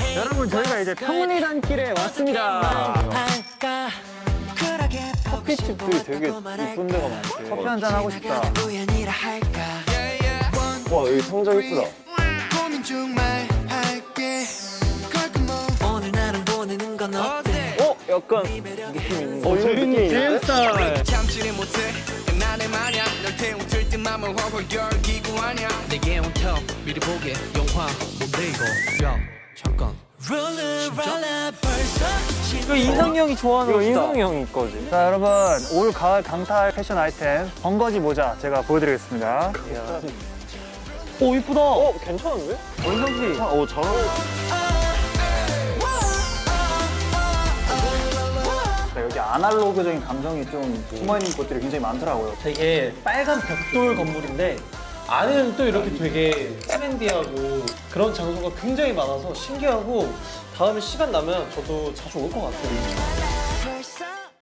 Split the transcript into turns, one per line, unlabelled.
여러분 저희가 이제 평리단길에 왔습니다.
커피집들이 되게 이쁜 데가 많대.
커피 한잔 하고 싶다.
와 여기 상자 이쁘다. 약간 느낌 있는.
재민 JM 스타일.
참지를 못해 나의 마냥 널 태우들 듯 맘을 활활 열기고 하냐 내게 온터 미리 보게 영화 뭔데 이거 야 잠깐
이거 인성이 형이 좋아하는
이거
옷이다.
인성이 형이 거지. 자 여러분 올 가을 강탈 패션 아이템 번거지 모자 제가 보여드리겠습니다.
오 이쁘다.
괜찮은데?
원성 씨.
잘 여기 아날로그적인 감성이 좀 숨어있는 곳들이 굉장히 많더라고요.
되게 빨간 벽돌 건물인데 안에는 또 이렇게 되게 트렌디하고 그런 장소가 굉장히 많아서 신기하고 다음에 시간 나면 저도 자주 올 것 같아요.